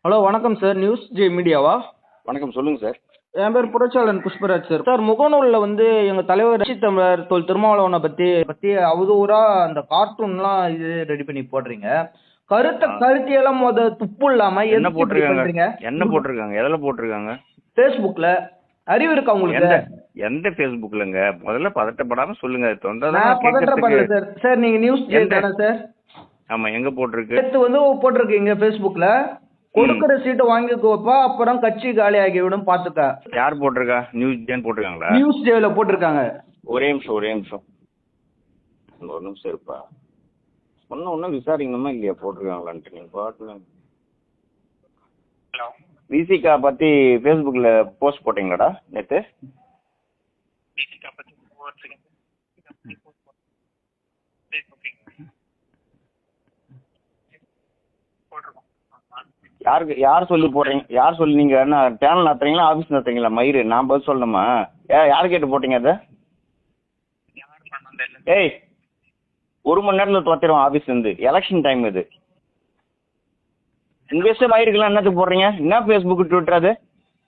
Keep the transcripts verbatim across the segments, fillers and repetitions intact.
Hello வணக்கம் sir, news J மீடியாவா? வணக்கம், சொல்லுங்க சார். என் பேர் புரட்சியாளன் புஷ்பராஜ் சார். சார், முகநூலில் வந்து எங்கள் தலைவர் ரட்சி தமிழர் தொல் திருமாவளவனை பற்றி பற்றி அவதூறா அந்த கார்ட்டூன்லாம் இது ரெடி பண்ணி போடுறீங்க. கருத்தை கருத்தியெல்லாம் முத துப்பு இல்லாம என்ன போட்டிருக்காங்க? பண்றீங்க? என்ன போட்டிருக்காங்க? எதில் போட்டிருக்காங்க? ஃபேஸ்புக்கில். அறிவு இருக்கா உங்களுக்கு? எந்த எந்த ஃபேஸ்புக்லங்க? முதல்ல பதட்டப்படாம சொல்லுங்க. நான் பதட்டப்படல சார். சார், நீங்க நியூஸ் ஜே தானே சார்? ஆமா, எங்க போட்டிருக்கு? நேற்று வந்து போட்டிருக்கீங்க ஃபேஸ்புக்கில். கொடுக்குற சீட்டை வாங்கிக்கோப்பா, அப்புறம் கட்சி காலி ஆகிவிடும், பாத்துக்க. யார் போட்டிருக்கா? நியூஸ் ஜேன்னு போட்டிருக்காங்களா? நியூஸ் ஜேல போட்டிருக்காங்க. ஒரே நிமிஷம் ஒரே நிமிஷம் ஒரு நிமிஷம் இருப்பா. ஒன்னும் ஒன்னும் விசாரிக்கணுமா இல்லையா போட்டிருக்காங்களான்ட்டு. நீங்க பாட்டுல விசிகா பத்தி ஃபேஸ்புக்ல போஸ்ட் போட்டீங்களாடா நேத்து? யாருக்கு யார் சொல்லி போடுறீங்க? யார் சொல்லி நீங்க என்ன சேனல் நடத்துறீங்களா ஆஃபீஸ் நடத்துறீங்களா? மயிறு நான் பதில் சொல்லணுமா? ஏ யார் கேட்டு போட்டீங்க அதை? ஏய், ஒரு மணி நேரத்தில் துவத்திடுவோம் ஆஃபீஸ் இருந்து. எலெக்ஷன் டைம் இது. உங்க இஷ்டம் மயிருக்குலாம் என்னத்துக்கு போடுறீங்க? என்ன ஃபேஸ்புக் ட்விட்டர் அது?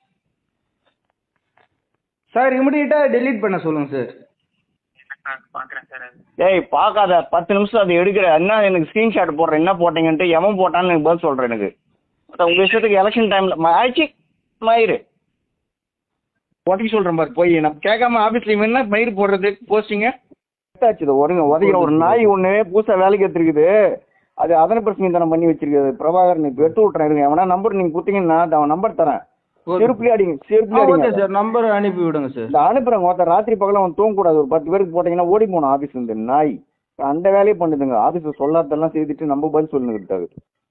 சார், இமிடியேட்டா டெலீட் பண்ண சொல்லுங்க சார். ஏய், பார்க்காத. பத்து நிமிஷம் அதை எடுக்கிற என்ன எனக்கு ஸ்கிரீன்ஷாட் போடுறேன். என்ன போட்டீங்கன்ட்டு எவன் போட்டான்னு எனக்கு பதில் சொல்கிறேன். எனக்கு உங்க இஷ்டத்துக்கு எலெக்ஷன் டைமில் ஆயிடுச்சு மயிறு உடச்சி சொல்கிறேன் பாரு. போய் நான் கேட்காம ஆஃபீஸ்ல என்ன மயிறு போடுறது போஸ்டிங்க ஆச்சு. ஒருங்க உதவிக்கிற ஒரு நாய் ஒன்று புதுசாக வேலைக்கு எடுத்துருக்குது. அது அதனை பிரச்சனை தானே பண்ணி வச்சிருக்குது. பிரபாகரன் இப்போ எடுத்து விட்றேன் இருங்க. எவனா நம்பர் நீங்கள் கொடுத்தீங்கன்னா அவன் நம்பர் தரேன். செருப்புலி அடிங்க, செருப்புலி அடிங்க சார். நம்பர் அனுப்பி விடுங்க சார். இந்த அனுப்புறேங்க. ஒருத்தர் ராத்திரி பகல அவன் தூங்கக்கூடாது. ஒரு பத்து பேருக்கு போட்டீங்கன்னா ஓடி போகணும் ஆஃபீஸ் இருந்து. நாய் அந்த வேலையை பண்ணுதுங்க. ஆஃபீஸில் சொல்லாதெல்லாம் செய்துட்டு நம்ம பதில் சொல்லுங்க.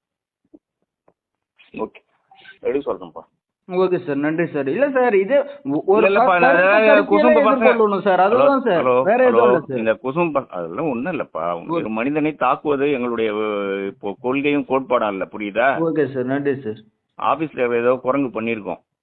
ஓகே, எப்படி சொல்றேன்ப்பா. ஓகே சார், நன்றி சார். இல்ல சார், இது ஒரு குசும்பு சார், அதுதான் சார், வேற எதுவும் இல்ல சார். இந்த குசும்பு அதெல்லாம் ஒண்ணும் இல்லப்பா. ஒரு மனிதனை தாக்குவது எங்களுடைய இப்போ கொள்கையும் கோட்பாடும் இல்ல, புரியுதா? ஓகே சார், நன்றி சார். ஆபீஸ்ல ஏதோ குரங்கு பண்ணிருக்கோம்.